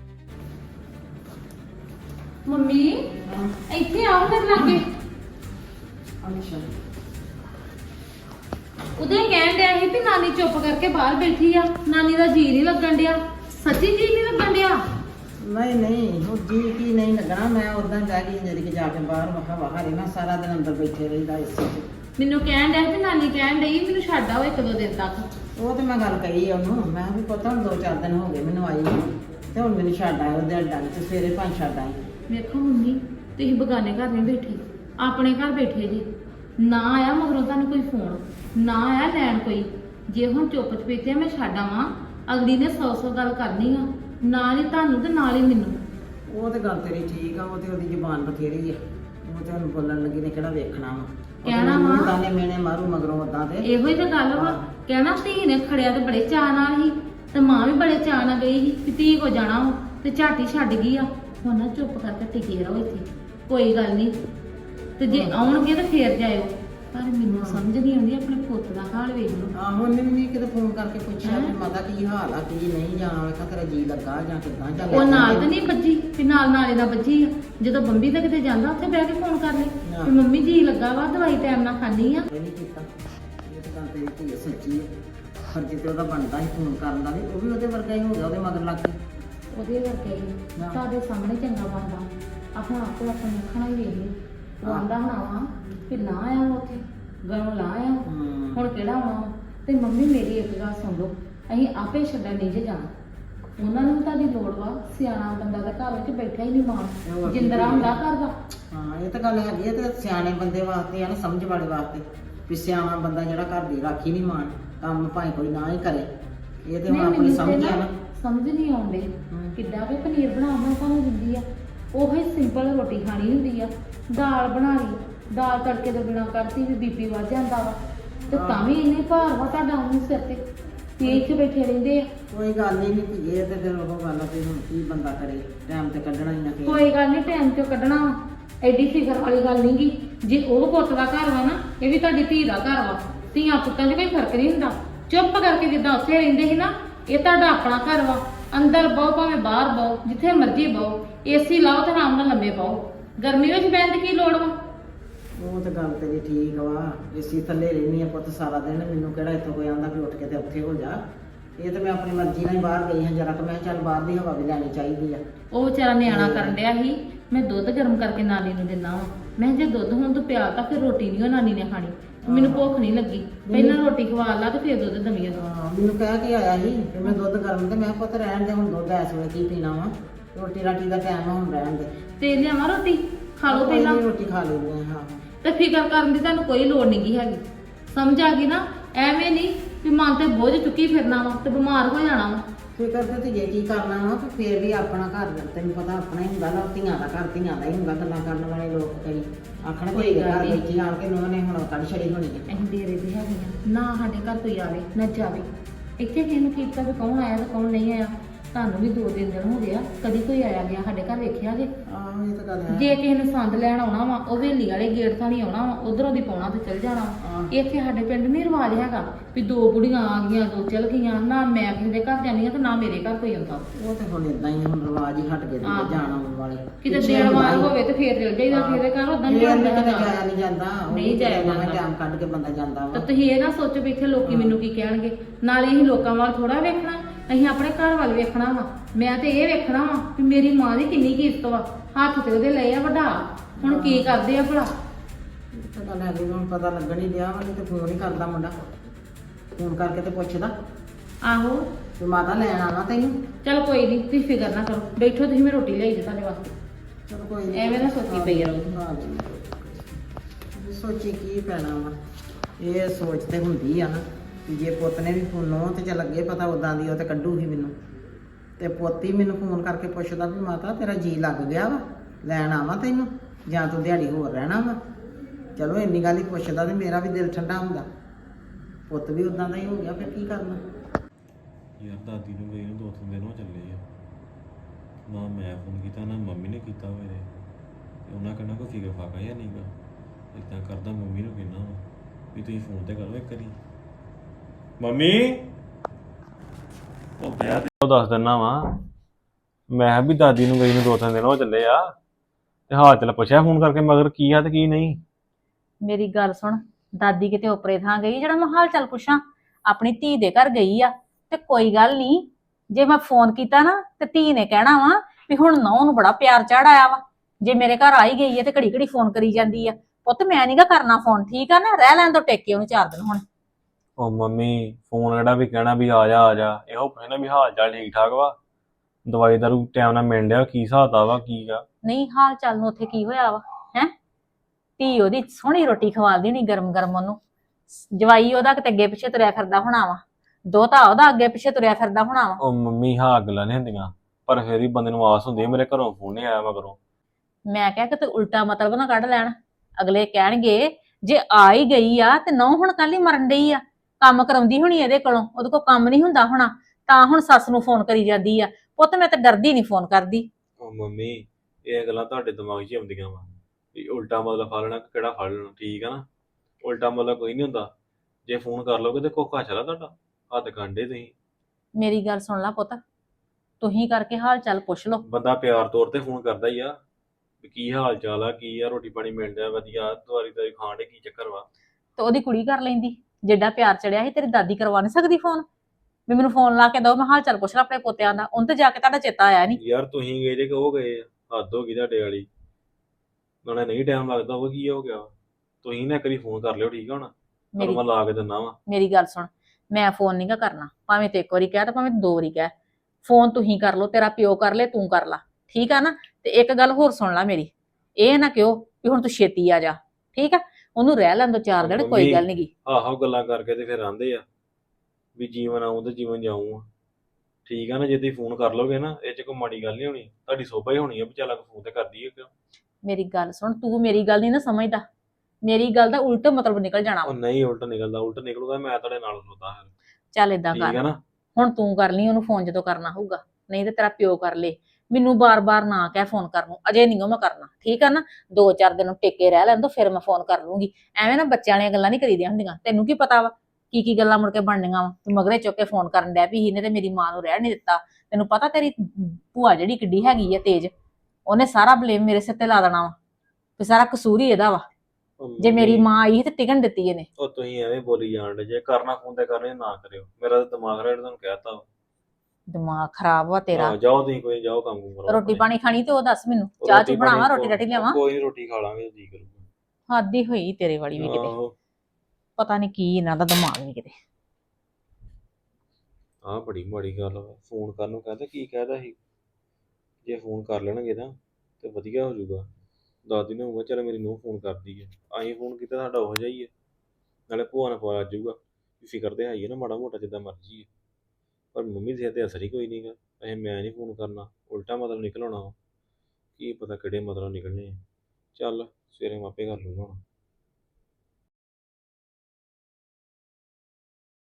Speaker 3: ਮੰਮੀ ਇੱਥੇ ਆਓ ਮੇਰੇ ਲਾਗੇ।
Speaker 1: ਅੱਛਾ।
Speaker 3: ਉਹਦੇ ਕਹਿਣ ਡਿਆ ਸੀ ਵੀ ਨਾਨੀ ਚੁੱਪ ਕਰਕੇ ਬਾਹਰ ਬੈਠੀ ਆ, ਨਾਨੀ ਦਾ ਜੀ ਨਹੀਂ ਲੱਗਣ ਡਿਆ। ਸੱਚੀ ਜੀ ਨਹੀਂ ਲੱਗਣ ਡਿਆ?
Speaker 1: ਨਹੀਂ ਉਹ ਜੀ ਕੀ ਨਹੀਂ ਲੱਗਣਾ, ਮੈਂ ਉਦਾਂ ਜਾ ਕੇ ਜਿਹੜੀ ਕਿ ਜਾ ਕੇ ਬਾਹਰ ਹਵਾ ਹਰੇ ਨਾ, ਸਾਰਾ ਦਿਨ ਅੰਦਰ ਬੈਠੇ ਰਹੀਦਾ ਇਸੇ ਚ।
Speaker 3: ਮੈਨੂੰ ਕਹਿਣ ਡਿਆ ਤੇ ਨਾਨੀ ਕਹਿਣ ਡਈ ਮੈਨੂੰ ਛੱਡ ਆਓ ਇੱਕ ਦੋ ਦਿਨ ਤੱਕ।
Speaker 1: ਉਹ ਤੇ ਮੈਂ ਗੱਲ ਕਹੀ ਆ ਉਹਨੂੰ, ਮੈਂ ਵੀ ਪਤਾ ਹੁਣ 2-4 ਦਿਨ ਹੋ ਗਏ ਮੈਨੂੰ ਆਈ ਨੂੰ, ਤੇ ਹੁਣ ਮੈਨੂੰ ਛੱਡ ਆਇਆ ਉਹਦੇ ਅੱਡਾ ਤੇ ਸਵੇਰੇ 5 ਛੱਡ ਆਈ।
Speaker 3: ਵੇਖੋ ਮੰਮੀ, ਤੁਸੀਂ ਬਗਾਨੇ ਘਰ ਨਹੀਂ ਬੈਠੇ, ਆਪਣੇ ਘਰ ਬੈਠੇ ਜੀ। ਨਾ ਆਇਆ ਮਗਰੋਂ ਤੁਹਾਨੂੰ ਕੋਈ ਫੋਨ, ਨਾ ਆਇਆ ਲੈਣ ਕੋਈ। ਜੇ ਹੁਣ ਚੁੱਪ ਚਪੀਤੇ ਮੈਂ ਛੱਡ ਆਵਾਂ, ਅਗਲੀ ਨੇ 100 ਗੱਲ ਕਰਨੀ ਆ, ਨਾਲ ਹੀ ਤੁਹਾਨੂੰ ਤੇ ਨਾਲ ਹੀ ਮੈਨੂੰ।
Speaker 1: ਉਹ ਤੇ ਗੱਲ ਤੇਰੀ ਠੀਕ ਆ, ਉਹ ਤੇ ਉਹਦੀ ਜ਼ੁਬਾਨ ਬਥੇਰੀ ਆ, ਉਹ ਤੇ ਉਹਨੂੰ ਬੋਲਣ ਲੱਗੀ ਨੇ ਕਿਹੜਾ ਵੇਖਣਾ ਵਾ।
Speaker 3: ਕਹਿਣਾ ਵਾ
Speaker 1: ਦਾਨੇ ਮੇਨੇ ਮਾਰੂ ਮਗਰੋਂ ਉਦਾਂ ਤੇ
Speaker 3: ਇਹੋ ਹੀ ਤਾਂ ਗੱਲ ਵਾ। ਕਹਿਣਾ ਧੀ ਨੇ ਖੜਿਆ ਤੇ ਬੜੇ ਚਾਅ ਨਾਲ ਹੀ, ਤੇ ਮਾਂ ਵੀ ਬੜੇ ਚਾਅ ਨਾਲ ਗਈ ਸੀ ਕਿ ਧੀ ਕੋ ਜਾਣਾ ਵਾ, ਤੇ ਝਾਟੀ ਛੱਡ ਗਈ ਆ। ਹੁਣ ਨਾ ਚੁੱਪ ਕਰਕੇ ਟਿਕੇ ਰਹੋ ਇੱਥੇ, ਕੋਈ ਗੱਲ ਨਹੀਂ। ਤੇ ਜੇ ਆਉਣਗੇ ਤਾਂ ਫੇਰ ਜਾਇਓ। ਪਰ ਮੈਨੂੰ ਸਮਝ ਨਹੀਂ ਆਉਂਦੀ, ਆਪਣੇ ਪੁੱਤ ਦਾ ਹਾਲ ਵੇਖ ਲਓ।
Speaker 1: ਆਹੋ ਉਹਨੇ ਵੀ ਨਹੀਂ ਕਿਤੇ ਫੋਨ ਕਰਕੇ ਪੁੱਛਿਆ ਵੀ ਮਾਤਾ ਕੀ ਹਾਲ ਆ, ਕੀ ਨਹੀਂ ਜਾਣਾ ਵੇਖਾ ਤੇਰਾ ਜੀ ਲੱਗਾ ਜਾਂ ਕਿੱਦਾਂ ਚੱਲ।
Speaker 3: ਉਹ ਨਾਲ ਤਾਂ ਨਹੀਂ ਬੱਜੀ ਵੀ ਨਾਲੇ ਦਾ ਬੱਜੀ ਆ। ਜਦੋਂ ਬੰਬੀ ਤੇ ਕਿਤੇ ਜਾਂਦਾ ਉੱਥੇ ਬਹਿ ਕੇ ਫੋਨ ਕਰ ਲੈ ਵੀ ਮੰਮੀ ਜੀ ਲੱਗਾ ਵਾ, ਦਵਾਈ ਟਾਈਮ ਨਾਲ ਖਾਣੀ ਆ।
Speaker 1: ਇਹ ਨਹੀਂ ਕੀਤਾ, ਇਹ ਤਾਂ ਗੱਲ ਤੇਰੀ ਧੀ ਸੱਚੀ ਹੈ। ਫਰਜ਼ ਤੇ ਉਹਦਾ ਬਣਦਾ ਸੀ ਫੋਨ ਕਰਨ ਦਾ, ਵੀ ਉਹ ਵੀ ਉਹਦੇ ਵਰਗਾ ਹੀ ਹੋ ਗਿਆ, ਉਹਦੇ ਮਗਰ ਲੱਗ ਕੇ।
Speaker 3: ਉਹਦੇ ਵਰਗੇ ਹੀ ਸਾਡੇ ਸਾਹਮਣੇ ਚੰਗਾ ਬਣਦਾ, ਆਪਾਂ ਆਪੋ ਆਪਣੀ ਅੱਖਾਂ ਹੀ ਵੇਖ ਲਈ। ਉਹ ਆਂਦਾ ਹੋਣਾ ਵਾ ਕਿ ਨਾ ਆਇਆ ਉੱਥੇ ਗਲੋਂ ਲਾ ਆਇਆ, ਹੁਣ ਕਿਹੜਾ ਆਉਣਾ। ਤੇ ਮੰਮੀ ਮੇਰੀ ਇੱਕ ਗੱਲ ਸੁਣ ਲਓ, ਅਸੀਂ ਆਪੇ ਛੱਡਣ ਨਹੀਂ ਜੇ ਜਾਣਾ। ਉਹਨਾਂ ਨੂੰ ਤੁਹਾਡੀ ਲੋੜ ਵਾ, ਸਿਆਣਾ ਬੰਦਾ ਤਾਂ ਘਰ ਵਿੱਚ ਬੈਠਾ ਹੀ ਨਹੀਂ ਮਾਂ, ਜਿੰਦਰਾ ਹੁੰਦਾ ਘਰ ਦਾ।
Speaker 1: ਹਾਂ ਇਹ ਤਾਂ ਗੱਲ ਹੈਗੀ ਹੈ, ਤੇ ਸਿਆਣੇ ਬੰਦੇ ਵਾਸਤੇ ਆ ਨਾ, ਸਮਝ ਵਾਲੇ ਵਾਸਤੇ, ਵੀ ਸਿਆਣਾ ਬੰਦਾ ਜਿਹੜਾ ਘਰ ਦੀ ਰਾਖੀ ਨਹੀਂ ਮਾਣ, ਕੰਮ ਭਾਵੇਂ ਕੋਈ ਨਾ ਹੀ ਕਰੇ। ਇਹ ਤੇ ਹੁਣ ਆਪਣੀ ਸਮਝ ਆ ਨਾ।
Speaker 3: ਸਮਝ ਨਹੀਂ ਆਉਂਦੀ ਕਿੱਦਾਂ ਵੀ ਪਨੀਰ ਬਣਾਉਣਾ ਤੁਹਾਨੂੰ ਦਿੰਦੀ ਆ। ਉਹ ਹੀ ਸਿੰਪਲ ਰੋਟੀ ਖਾਣੀ ਹੁੰਦੀ ਆ, ਦਾਲ ਬਣਾ ਲਈ, ਦਾਲ ਤੜਕੇ ਤੋਂ ਬਿਨਾਂ ਕਰਤੀ ਵੀ ਬੀਪੀ ਵੱਧ ਜਾਂਦਾ ਵਾ, ਤੇ ਤਾਂ ਵੀ ਇੰਨੇ ਭਾਰ ਵਾ ਤੁਹਾਡਾ ਉਹਨੂੰ ਸਿਰ ਤੇ ਇੱਥੇ ਬੈਠੇ ਰਹਿੰਦੇ ਆ।
Speaker 1: ਕੋਈ ਗੱਲ ਹੀ ਨਹੀਂ ਧੀਏ, ਤੇ ਫਿਰ ਉਹ ਗੱਲ ਆ ਵੀ ਹੁਣ ਕੀ ਬੰਦਾ ਕਰੇ, ਟਾਈਮ ਤੇ ਕੱਢਣਾ ਹੀ ਨਾ ਕਿ।
Speaker 3: ਕੋਈ ਗੱਲ ਨਹੀਂ, ਟਾਈਮ ਚੋਂ ਕੱਢਣਾ ਵਾ, ਐਡੀ ਫਿਕਰ ਵਾਲੀ ਗੱਲ ਨੀ ਗੀ। ਜੇ ਉਹ ਪੁੱਤ ਦਾ ਘਰ ਵਾ ਨਾ, ਇਹ ਵੀ ਤੁਹਾਡੀ ਧੀ ਦਾ ਘਰ ਵਾ। ਧੀਆਂ ਪੁੱਤਾਂ 'ਚ ਕੋਈ ਫਰਕ ਨਹੀਂ ਹੁੰਦਾ। ਚੁੱਪ ਕਰਕੇ ਜਿੱਦਾਂ ਉੱਥੇ ਰਹਿੰਦੇ ਸੀ ਨਾ, ਇਹ ਤੁਹਾਡਾ ਆਪਣਾ ਘਰ ਵਾ। ਅੰਦਰ ਬਹੁ ਭਾਵੇਂ ਬਾਹਰ ਬਹੁ, ਜਿੱਥੇ ਮਰਜ਼ੀ ਬਹੁ, ਏਸੀ ਲਾਓ ਤੇ ਆਰਾਮ ਨਾਲ ਲੰਮੇ ਪਾਓ। ਗਰਮੀ ਵਿੱਚ ਬਹਿਣ ਦੀ ਕੀ ਲੋੜ ਵਾ?
Speaker 1: ਉਹ ਤਾਂ ਗੱਲ ਤੇਰੀ ਠੀਕ ਵਾ, ਏਸੀ ਥੱਲੇ ਰਹਿੰਦੀ ਆ ਪੁੱਤ ਸਾਰਾ ਦਿਨ, ਮੈਨੂੰ ਕਿਹੜਾ ਇੱਥੋਂ ਕੋਈ ਆਂਦਾ ਵੀ ਉੱਠ ਕੇ ਤੇ ਉੱਥੇ ਹੋ ਜਾ। ਇਹ ਤਾਂ ਮੈਂ ਆਪਣੀ ਮਰਜ਼ੀ ਨਾਲ ਹੀ ਬਾਹਰ ਗਈ ਹਾਂ ਜਰਾ ਕਿ ਮੈਂ ਚੱਲ ਬਾਹਰ ਦੀ ਹਵਾ ਵੀ ਲੈਣੀ ਚਾਹੀਦੀ ਆ।
Speaker 3: ਉਹ ਵਿਚਾਰਾ ਨਿਆਣਾ ਕਰਨ ਡਿਆ ਸੀ, ਮੈਂ ਦੁੱਧ ਗਰਮ ਕਰਕੇ ਨਾਨੀ ਨੂੰ ਦਿੰਦਾ ਵਾ। ਮੈਂ ਜੇ ਦੁੱਧ ਹੁਣ ਤੂੰ ਪਿਆ ਤਾਂ ਫਿਰ ਰੋਟੀ ਨਹੀਂ ਉਹ ਨਾਨੀ ਨੇ ਖਾਣੀ, ਮੈਨੂੰ ਭੁੱਖ ਨਹੀਂ ਲੱਗੀ, ਪਹਿਲਾਂ ਰੋਟੀ ਖਵਾ ਲਾ ਤੇ ਫਿਰ ਦੁੱਧ ਦਮੀਏ।
Speaker 1: ਮੈਨੂੰ ਕਹਿ ਕੇ ਆਇਆ ਸੀ ਕਿ ਮੈਂ ਦੁੱਧ ਗਰਮ, ਤੇ ਮੈਂ ਪੁੱਤ ਰਹਿਣ ਦੇ, ਹੁਣ ਦੁੱਧ ਇਸ ਵੇਲੇ ਕੀ ਪੀਣਾ ਵਾ, ਰੋਟੀ ਰਾਟੀ ਦਾ ਟਾਈਮ ਹੁਣ ਰਹਿਣ ਦੇ।
Speaker 3: ਤੇ ਲਿਆਵਾਂ ਰੋਟੀ ਖਾ ਲਓ ਪਹਿਲਾਂ।
Speaker 1: ਰੋਟੀ ਖਾ ਲੈਂਦੇ ਹਾਂ।
Speaker 3: ਤੇ ਫਿਕਰ ਕਰਨ ਦੀ ਤੁਹਾਨੂੰ ਕੋਈ ਲੋੜ ਨਹੀਂ ਗੀ ਹੈਗੀ, ਸਮਝ ਆ ਗਈ ਨਾ? ਐਵੇਂ ਨਹੀਂ ਵੀ ਮਨ ਤੇ ਬੋਝ ਚੁੱਕੀ ਫਿਰਨਾ ਵਾ ਤੇ ਬਿਮਾਰ ਹੋ ਜਾਣਾ ਵਾ।
Speaker 1: ਫਿਕਰ ਤੇ ਧੀਏ ਕੀ ਕਰਨਾ ਵਾ, ਤੇ ਫੇਰ ਵੀ ਆਪਣਾ ਘਰ ਤੈਨੂੰ ਪਤਾ ਆਪਣਾ ਹੀ ਹੁੰਦਾ ਨਾ, ਧੀਆਂ ਦਾ ਘਰ ਧੀਆਂ ਦਾ ਹੀ ਹੁੰਦਾ। ਗੱਲਾਂ ਕਰਨ ਵਾਲੇ ਲੋਕ ਕਈ ਆਖਣ ਕੋਈ ਘਰ ਬੈਠੀ ਆਣ ਕੇ ਉਹਨਾਂ ਨੇ ਹੁਣ ਕੱਢ ਛੜੀ ਹੋਣੀ ਹੈ।
Speaker 3: ਅਸੀਂ ਡੇਰੇ ਦੀ ਹੈਗੀਆਂ ਨਾ, ਸਾਡੇ ਘਰ ਕੋਈ ਆਵੇ ਨਾ ਜਾਵੇ। ਇੱਥੇ ਕਿਸੇ ਨੂੰ ਕੀਤਾ ਵੀ ਕੌਣ ਆਇਆ ਤੇ ਕੌਣ ਨਹੀਂ ਆਇਆ। ਤੁਹਾਨੂੰ ਵੀ 2 ਦਿਨ ਹੋ ਗਿਆ, ਕਦੀ ਕੋਈ ਆਇਆ ਗਿਆ ਸਾਡੇ ਘਰ ਵੇਖਿਆ ਜੇ?
Speaker 1: ਆਹੋ ਇਹ ਤਾਂ ਗੱਲ ਹੈ।
Speaker 3: ਜੇ ਕਿਸੇ ਨੇ ਸੰਦ ਲੈਣ ਆਉਣਾ ਵਾ, ਉਹ ਹਵੇਲੀ ਵਾਲੇ ਗੇਟ ਥਾਣੀ ਆਉਣਾ ਵਾ, ਉਧਰੋਂ ਦੀ ਪਾਉਣਾ ਤੇ ਚਲ ਜਾਣਾ ਵਾ।
Speaker 1: ਹਾਂ।
Speaker 3: ਇੱਥੇ ਸਾਡੇ ਪਿੰਡ ਨਹੀਂ ਰਿਵਾਜ ਹੈਗਾ ਵੀ 2 ਬੁੜੀਆਂ ਆ ਗਈਆਂ 2 ਚਲ ਗਈਆਂ, ਨਾ ਮੈਂ ਕਿਸੇ ਦੇ ਘਰ ਜਾਂਦੀ ਆ ਤੇ ਨਾ ਮੇਰੇ ਘਰ ਕੋਈ ਆਉਂਦਾ।
Speaker 1: ਉਹ ਤੇ ਹੁਣ ਇਦਾਂ ਹੀ, ਹੁਣ ਰਿਵਾਜ ਹੀ ਹਟ ਗਏ ਤੇ
Speaker 3: ਆਹੋ।
Speaker 1: ਜਾਣ ਆਉਣ ਵਾਲੇ
Speaker 3: ਕਿਤੇ ਦੇਣ ਵਾਰ ਹੋਵੇ ਤੇ ਫੇਰ ਚਲ ਜਾਈਦਾ, ਕਿਸੇ ਦੇ ਘਰ ਉਦਾਂ ਨਹੀਂ
Speaker 1: ਇਹ
Speaker 3: ਜਾਂਦਾ
Speaker 1: ਕਿਤੇ
Speaker 3: ਹੈਗਾ।
Speaker 1: ਜਾਇਆ ਨਹੀਂ ਜਾਂਦਾ,
Speaker 3: ਨਹੀਂ ਜਾਇਆ ਜਾਂਦਾ।
Speaker 1: ਟਾਈਮ ਕੱਢ ਕੇ ਬੰਦਾ ਜਾਂਦਾ ਵਾ।
Speaker 3: ਤਾਂ ਤੁਸੀਂ ਇਹ ਨਾ ਸੋਚੋ ਵੀ ਇੱਥੇ ਲੋਕੀ ਮੈਨੂੰ ਕੀ ਕਹਿਣਗੇ। ਨਾਲੇ ਅਸੀਂ ਲੋਕਾਂ ਵੱਲ ਥੋੜਾ ਵੇਖਣਾ, ਅਸੀਂ ਆਪਣੇ ਘਰ ਵੱਲ ਵੇਖਣਾ ਵਾ। ਮੈਂ ਤੇ ਇਹ ਵੇਖਣਾ ਵਾ ਵੀ ਮੇਰੀ ਮਾਂ ਦੀ ਕਿੰਨੀ ਕੀਮਤ ਵਾ। ਹੱਥ ਤੇ ਉਹਦੇ ਲਏ ਆ ਵੱਡਾ, ਹੁਣ ਕੀ ਕਰਦੇ ਆ ਭਲਾ?
Speaker 1: ਪਤਾ ਲੱਗ ਗਿਆ, ਹੁਣ ਪਤਾ ਲੱਗਣ ਹੀ ਡਿਆ ਵਾ, ਨਹੀਂ ਤੇ ਫੋਨ ਹੀ ਕਰਦਾ ਮੁੰਡਾ, ਫੋਨ ਕਰਕੇ ਤੇ ਪੁੱਛਦਾ
Speaker 3: ਆਹੋ
Speaker 1: ਵੀ ਮਾਤਾ ਲੈਣ ਆਣਾ ਤੈਨੂੰ।
Speaker 3: ਚਲ ਕੋਈ ਨਹੀਂ, ਤੁਸੀਂ ਫਿਕਰ ਨਾ ਕਰੋ, ਬੈਠੋ ਤੁਸੀਂ, ਮੈਂ ਰੋਟੀ ਲਿਆਈ ਜੇ ਤੁਹਾਡੇ ਵਾਸਤੇ।
Speaker 1: ਚਲੋ ਕੋਈ ਨੀ।
Speaker 3: ਐਵੇਂ ਨਾ ਸੋਚੀ ਪਈ ਰਹੋ।
Speaker 1: ਹਾਂ ਜੀ। ਸੋਚੀ ਕੀ ਪੈਣਾ ਵਾ, ਇਹ ਸੋਚ ਤੇ ਹੁੰਦੀ ਆ ਨਾ ਵੀ ਜੇ ਪੁੱਤ ਨੇ ਵੀ ਫੋਨੋਂ ਤੇ ਚੱਲ ਅੱਗੇ ਪਤਾ ਉਦਾਂ ਦੀ ਉਹ ਤੇ ਕੱਢੂਗੀ ਮੈਨੂੰ, ਤੇ ਪੁੱਤ ਹੀ ਮੈਨੂੰ ਫੋਨ ਕਰਕੇ ਪੁੱਛਦਾ ਵੀ ਮਾਤਾ ਤੇਰਾ ਜੀ ਲੱਗ ਗਿਆ ਵਾ, ਲੈਣ ਆਵਾਂ ਤੈਨੂੰ ਜਾਂ ਤੂੰ ਦਿਹਾੜੀ ਹੋਰ ਰਹਿਣਾ ਵਾ। ਚਲੋ ਇੰਨੀ ਗੱਲ ਹੀ ਪੁੱਛਦਾ ਤੇ ਮੇਰਾ ਵੀ ਦਿਲ ਠੰਡਾ ਹੁੰਦਾ। ਪੁੱਤ ਵੀ ਉਦਾਂ ਦਾ ਹੀ ਹੋ ਗਿਆ, ਫਿਰ ਕੀ ਕਰਨਾ।
Speaker 4: ਯਾਰ ਦਾਦੀ ਨੂੰ ਗਈ ਨੂੰ 2-3 ਦਿਨ ਹੋ ਚੱਲੇ ਆ, ਨਾ ਮੈਂ ਫੋਨ ਕੀਤਾ ਨਾ ਮੰਮੀ ਨੇ ਕੀਤਾ ਮੇਰੇ, ਤੇ ਉਹਨਾਂ ਕਹਿਣਾ ਕੋਈ ਫਿਕਰ ਫਾਕਾ ਜਾਂ ਨਹੀਂਗਾ। ਇੱਦਾਂ ਕਰਦਾ ਮੰਮੀ ਨੂੰ ਕਹਿਣਾ ਵਾ ਵੀ ਤੁਸੀਂ ਫੋਨ ਤੇ ਕਰੋ ਇੱਕ ਵਾਰੀ। ਮੰਮੀ ਉਹ ਵਿਆਹ ਤੇ ਉਹ ਦੱਸ ਦਿੰਦਾ ਵਾ, ਮੈਂ ਕਿਹਾ ਵੀ ਦਾਦੀ ਨੂੰ ਗਈ ਨੂੰ 2-3 ਦਿਨ ਹੋ ਚੱਲੇ ਆ, ਤੇ ਹਾਲ ਚਾਲ ਪੁੱਛਿਆ ਫੋਨ ਕਰਕੇ ਮਗਰ ਕੀ ਆ ਤੇ ਕੀ ਨਹੀਂ।
Speaker 3: ਮੇਰੀ ਗੱਲ ਸੁਣ, ਦਾਦੀ ਕਿਤੇ ਓਪਰੇ ਥਾਂ ਗਈ ਜਿਹੜਾ ਮੈਂ ਹਾਲ ਚਾਲ ਪੁੱਛਾਂ? ਆਪਣੀ ਧੀ ਦੇ ਘਰ ਗਈ ਆ, ਤੇ ਕੋਈ ਗੱਲ ਨਹੀਂ, ਜੇ ਮੈਂ ਫੋਨ ਕੀਤਾ ਨਾ ਤੇ ਧੀ ਨੇ ਕਹਿਣਾ ਵਾ ਵੀ ਹੁਣ ਨਹੁੰ ਨੂੰ ਬੜਾ ਪਿਆਰ ਚੜ ਆਇਆ ਵਾ। ਜੇ ਮੇਰੇ ਘਰ ਆਈ ਗਈ ਹੈ ਤੇ ਘੜੀ ਘੜੀ ਫੋਨ ਕਰੀ ਜਾਂਦੀ ਆ। ਪੁੱਤ ਮੈਂ ਨਹੀਂਗਾ ਕਰਨਾ ਫੋਨ, ਠੀਕ ਆ ਨਾ? ਰਹਿ ਲੈਣ ਤੋਂ ਟੇਕੇ ਉਹਨੂੰ 4 ਦਿਨ ਹੁਣ।
Speaker 4: ਉਹ ਮੰਮੀ ਫੋਨ ਕਿਹੜਾ ਵੀ ਕਹਿਣਾ ਵੀ ਆ ਜਾ, ਇਹੋ ਪੁੱਛਣਾ ਵੀ ਹਾਲ ਚਾਲ ਠੀਕ ਠਾਕ ਵਾ, ਦਵਾਈ ਦਾਰੂ ਟਾਈਮ ਨਾਲ ਮਿਲ ਡਿਆ, ਕੀ ਹਿਸਾਬ ਆ ਵਾ ਕੀ ਆ।
Speaker 3: ਨਹੀਂ ਹਾਲ ਚਾਲ ਨੂੰ ਉੱਥੇ ਕੀ ਹੋਇਆ ਵਾ ਹੈ? ਧੀ ਉਹਦੀ ਸੋਹਣੀ ਰੋਟੀ ਖਵਾਲਦੀ ਹੋਣੀ ਗਰਮ ਗਰਮ ਉਹਨੂੰ, ਜਵਾਈ ਉਹਦਾ ਕਿਤੇ ਅੱਗੇ ਪਿੱਛੇ ਤੁਰਿਆ ਫਿਰਦਾ ਹੋਣਾ ਵਾ, ਦੋਤਾ ਉਹਦਾ ਅੱਗੇ ਪਿੱਛੇ ਤੁਰਿਆ ਫਿਰਦਾ ਹੋਣਾ ਵਾ।
Speaker 4: ਉਹ ਮੰਮੀ ਹਾਂ ਗੱਲਾਂ ਨਹੀਂ ਹੁੰਦੀਆਂ, ਪਰ ਫਿਰ ਵੀ ਬੰਦੇ ਨੂੰ ਆਸ ਹੁੰਦੀ ਹੈ ਮੇਰੇ ਘਰੋਂ ਫੋਨ ਨਹੀਂ ਆਇਆ ਮਗਰੋਂ।
Speaker 3: ਮੈਂ ਕਿਹਾ ਕਿ ਤੂੰ ਉਲਟਾ ਮਤਲਬ ਨਾ ਕੱਢ ਲੈਣ, ਅਗਲੇ ਕਹਿਣਗੇ ਜੇ ਆ ਹੀ ਗਈ ਆ ਤੇ ਨਹੁੰ ਹੁਣ ਕੱਲ ਹੀ ਮਰਨ ਡਈ ਆ, ਕੰਮ ਕਰਾਉਂਦੀ ਹੋਣੀ ਇਹਦੇ ਕੋਲੋਂ, ਉਹਦੇ ਕੋਲ ਕੰਮ ਨਹੀਂ ਹੁੰਦਾ ਹੋਣਾ, ਤਾਂ ਹੁਣ ਸੱਸ ਨੂੰ ਫੋਨ ਕਰੀ ਜਾਂਦੀ ਆ। ਪੁੱਤ ਮੈਂ ਤਾਂ ਡਰਦੀ ਨਹੀਂ ਫੋਨ ਕਰਦੀ।
Speaker 4: ਉਹ ਮੰਮੀ ਇਹ ਗੱਲਾਂ ਤੁਹਾਡੇ ਦਿਮਾਗ 'ਚ ਹੀ ਆਉਂਦੀਆਂ ਵਾ ਵੀ ਉਲਟਾ ਮਤਲਬ ਫੜ ਲੈਣਾ ਕਿਹੜਾ ਫੜ ਲੈਣਾ, ਠੀਕ ਆ ਨਾ? ਉਲਟਾ ਮਤਲਬ ਕੋਈ ਨਹੀਂ ਹੁੰਦਾ, ਜੇ ਫੋਨ ਕਰ ਲੋਗੇ ਤੇ ਕੋਕਾ ਚਲਾ ਤੁਹਾਡਾ, ਹੱਥ ਗਾਂਡੇ ਤੁਸੀਂ।
Speaker 3: ਮੇਰੀ ਗੱਲ ਸੁਣ ਲੈ ਪੁੱਤ, ਤੁਸੀਂ ਕਰਕੇ ਹਾਲ ਚਾਲ ਪੁੱਛ ਲਓ।
Speaker 4: ਬੰਦਾ ਪਿਆਰ ਤੌਰ ਤੇ ਫੋਨ ਕਰਦਾ ਹੀ ਆ ਵੀ ਕੀ ਹਾਲ ਚਾਲ ਆ, ਕੀ ਆ, ਰੋਟੀ ਪਾਣੀ ਮਿਲ ਰਿਹਾ ਵਧੀਆ, ਦਵਾਈ ਖਾਣ ਦੇ ਕੀ ਚੱਕਰ ਵਾ।
Speaker 3: ਤੇ ਉਹਦੀ ਕੁੜੀ ਕਰ ਲੈਂਦੀ, ਜਿੱਡਾ ਪਿਆਰ ਚੜਿਆ ਸੀ। ਤੇਰੀ ਦਾਦੀ ਕਰਵਾ ਨਹੀਂ ਸਕਦੀ ਫੋਨ ਵੀ ਮੈਨੂੰ ਫੋਨ ਲਾ ਕੇ ਦਿਓ, ਮੈਂ ਹਾਲ ਚਾਲ ਪੁੱਛ ਲਾਂ ਆਪਣੇ ਪੋਤਿਆਂ ਦਾ? ਉਹਨੂੰ ਤੇ ਜਾ ਕੇ ਤੁਹਾਡਾ ਚੇਤਾ ਆਇਆ ਨਹੀਂ।
Speaker 4: ਯਾਰ ਤੁਸੀਂ ਗਏ ਜੇ ਕਿ ਉਹ ਗਏ ਆ, ਹੱਦ ਹੋ ਗਈ ਤੁਹਾਡੇ ਵਾਲੀ। ਨਾਲੇ ਨਹੀਂ ਟਾਈਮ ਲੱਗਦਾ ਉਹ ਕੀ ਹੋ ਗਿਆ, ਤੁਸੀਂ ਨਾ ਇੱਕ ਵਾਰੀ ਫੋਨ ਕਰ ਲਿਓ, ਠੀਕ ਆ? ਹੁਣ ਤੁਹਾਨੂੰ ਮੈਂ ਲਾ ਕੇ ਦਿੰਦਾ ਵਾ।
Speaker 3: ਮੇਰੀ ਗੱਲ ਸੁਣ, ਮੈਂ ਫੋਨ ਨਹੀਂਗਾ ਕਰਨਾ, ਭਾਵੇਂ ਤੇ 1 ਵਾਰੀ ਕਹਿ ਤੇ ਭਾਵੇਂ 2 ਵਾਰੀ ਕਹਿ। ਫੋਨ ਤੁਸੀਂ ਕਰ ਲਓ, ਤੇਰਾ ਪਿਓ ਕਰ ਲੈ, ਤੂੰ ਕਰ ਲਾ, ਠੀਕ ਆ ਨਾ? ਤੇ ਇੱਕ ਗੱਲ ਹੋਰ ਸੁਣ ਲੈ ਮੇਰੀ, ਇਹ ਨਾ ਕਿਉਂ ਵੀ ਹੁਣ ਤੂੰ ਛੇਤੀ ਆ ਜਾ, ਠੀਕ ਆ? ਉਹਨੂੰ ਰਹਿ ਲੈਣ ਦੋ 4 ਦਿਨ, ਕੋਈ ਗੱਲ ਨੀ।
Speaker 4: ਆਹੋ ਗੱਲਾਂ ਕਰਕੇ ਤੇ ਫਿਰ ਆਂਦੇ ਆ ਵੀ ਜੀਵਨ ਆਉਂ ਤੇ ਜੀਵਨ ਜਾਊਂ ਆ, ਠੀਕ ਆ ਨਾ? ਜੇ ਤੁਸੀਂ ਫੋਨ ਕਰ ਲੋਗੇ ਨਾ, ਇਹ ਚ ਕੋਈ ਮਾੜੀ ਗੱਲ ਨਹੀਂ ਹੋਣੀ, ਤੁਹਾਡੀ ਸੋਭਾ ਹੀ ਹੋਣੀ ਆ ਵੀ ਚੱਲ ਫੋਨ ਤੇ ਕਰਦੀ ਹੈ ਕਿਉਂ।
Speaker 3: ਮੇਰੀ ਗੱਲ ਸੁਣ, ਤੂੰ ਮੇਰੀ ਗੱਲ ਨਹੀਂ ਨਾ ਸਮਝਦਾ, ਮੇਰੀ ਗੱਲ ਦਾ ਉਲਟ ਮਤਲਬ ਨਿਕਲ ਜਾਣਾ
Speaker 4: ਉਹ
Speaker 3: ਵਾ।
Speaker 4: ਨਹੀਂ ਉਲਟ ਨਿਕਲਦਾ, ਉਲਟ ਨਿਕਲੂਗਾ ਮੈਂ ਤੁਹਾਡੇ ਨਾਲ ਖਲੋਤਾ ਫਿਰ,
Speaker 3: ਚੱਲ ਏਦਾਂ
Speaker 4: ਠੀਕ ਆ
Speaker 3: ਕਰ,
Speaker 4: ਨਾ?
Speaker 3: ਹੁਣ ਤੂੰ ਕਰ ਲਈ ਉਹਨੂੰ ਫੋਨ ਜਦੋਂ ਕਰਨਾ ਹੋਊਗਾ, ਨਹੀਂ ਤੇ ਤੇਰਾ ਪਿਓ ਕਰ ਲੇ। ਮੈਨੂੰ ਬਾਰ-ਬਾਰ ਨਾ ਕਹਿ ਫੋਨ ਕਰਨ ਨੂੰ, ਅਜੇ ਨਹੀਂ ਮੈਂ ਕਰਨਾ, ਠੀਕ ਆ ਨਾ? 2-4 ਦਿਨ ਟੇਕੇ ਰਹਿ ਲੈਣ ਦੋ, ਫਿਰ ਮੈਂ ਫੋਨ ਕਰ ਲੂੰਗੀ। ਐਵੇਂ ਨਾ ਬੱਚਿਆਂ ਵਾਲੀਆਂ ਗੱਲਾਂ ਨਹੀਂ ਕਰੀਦੀਆਂ ਹੁੰਦੀਆਂ, ਤੈਨੂੰ ਕੀ ਪਤਾ ਵਾ ਕੀ ਕੀ ਗੱਲਾਂ ਮੁੜ ਕੇ ਬਣਨੀਆਂ ਵਾ। ਤੂੰ ਮਗਰੇ ਚੁੱਕ ਕੇ ਫੋਨ ਕਰਨ ਡਿਆ ਵੀ ਇਹਨੇ ਤੇ ਮੇਰੀ ਮਾਂ ਨੂੰ ਰਹਿਣ ਨਹੀਂ ਦਿੱਤਾ। ਤੈਨੂੰ ਪਤਾ ਤੇਰੀ ਭੂਆ ਜਿਹੜੀ ਕਿੱਡੀ ਹੈਗੀ ਆ ਤੇਜ, ਉਹਨੇ ਸਾਰਾ ਬਲੇਮ ਮੇਰੇ ਸਿਰ ਤੇ ਲਾ ਦੇਣਾ ਵਾ ਵੀ ਸਾਰਾ ਕਸੂਰ ਹੀ ਇਹਦਾ ਵਾ,
Speaker 4: ਉਹ
Speaker 3: ਜੇ ਮੇਰੀ
Speaker 4: ਮੰਮੀ,
Speaker 3: ਮਾਂ ਆਈ ਤੇ ਟਿਕਣ ਦਿੱਤੀ ਇਹਨੇ।
Speaker 4: ਉਹ ਤੁਸੀਂ ਐਵੇਂ ਬੋਲੀ ਜਾਣ ਡੇ, ਜੇ ਕਰਨਾ ਫੋਨ ਤੇ ਕਰਨੇ ਨਾ ਕਰਿਓ, ਮੇਰਾ ਤਾਂ ਦਿਮਾਗ ਰੇੜ ਤੁਹਾਨੂੰ ਕਹਿਤਾ ਵਾ।
Speaker 3: ਦਿਮਾਗ ਖਰਾਬ ਵਾ ਤੇਰਾ।
Speaker 4: ਹਾਂ ਜਾਓ ਤੁਸੀਂ, ਕੋਈ ਜਾਓ ਕੰਮ ਕੁਮ ਕਰੋ
Speaker 3: ਰੋਟੀ
Speaker 4: ਆਪਣੇ।
Speaker 3: ਪਾਣੀ ਖਾਣੀ ਤੇ ਉਹ ਦੱਸ ਮੈਨੂੰ, ਚਾਹ ਚੁ ਬਣਾਵਾਂ, ਰੋਟੀ ਰਾਟੀ ਲਿਆਵਾਂ?
Speaker 4: ਕੋਈ ਨੀ, ਰੋਟੀ ਖਾ ਲਾਂਗੇ ਜੀ ਕਰੂਗਾ।
Speaker 3: ਹੱਦ ਹੀ ਹੋਈ ਤੇਰੇ ਵਾਲੀ ਵੀ ਕਿਤੇ,
Speaker 4: ਆਹੋ
Speaker 3: ਪਤਾ ਨਹੀਂ ਕੀ ਇਹਨਾਂ ਦਾ ਦਿਮਾਗ ਵੀ ਕਿਤੇ।
Speaker 4: ਆਹ ਬੜੀ ਮਾੜੀ ਗੱਲ ਵਾ, ਫੋਨ ਕਰਨ ਨੂੰ ਕਹਿੰਦਾ ਕੀ ਕਹਿਦਾ ਸੀ, ਜੇ ਫੋਨ ਕਰ ਲੈਣਗੇ ਨਾ ਤੇ ਵਧੀਆ ਹੋ ਜਾਊਗਾ। ਦਾਦੀ ਨੂੰ ਹੋਊਗਾ ਚੱਲ ਮੇਰੀ ਨੂੰਹ ਫੋਨ ਕਰਦੀ ਹੈ, ਅਸੀਂ ਫੋਨ ਕੀਤਾ ਸਾਡਾ ਉਹੋ ਜਿਹਾ ਹੀ ਹੈ, ਨਾਲੇ ਭੂਆ ਨਾਲ ਪਾ ਜਾਊਗਾ ਵੀ ਫਿਕਰ ਤੇ ਹੈ ਹੀ ਹੈ ਨਾ ਮਾੜਾ ਮੋਟਾ ਜਿੱਦਾਂ ਮਰਜ਼ੀ ਹੈ। ਪਰ ਮੰਮੀ ਦੇ ਤੇ ਅਸਰ ਹੀ ਕੋਈ ਨਹੀਂਗਾ, ਇਹ ਮੈਂ ਨਹੀਂ ਫੋਨ ਕਰਨਾ, ਉਲਟਾ ਮਤਲਬ ਨਿਕਲ ਆਉਣਾ ਵਾ, ਕੀ ਪਤਾ ਕਿਹੜੇ ਮਤਲਬ ਨਿਕਲਣੇ ਆ। ਚੱਲ ਸਵੇਰੇ ਮਾਪੇ ਕਰ ਲੂੰਗਾ ਹੁਣ।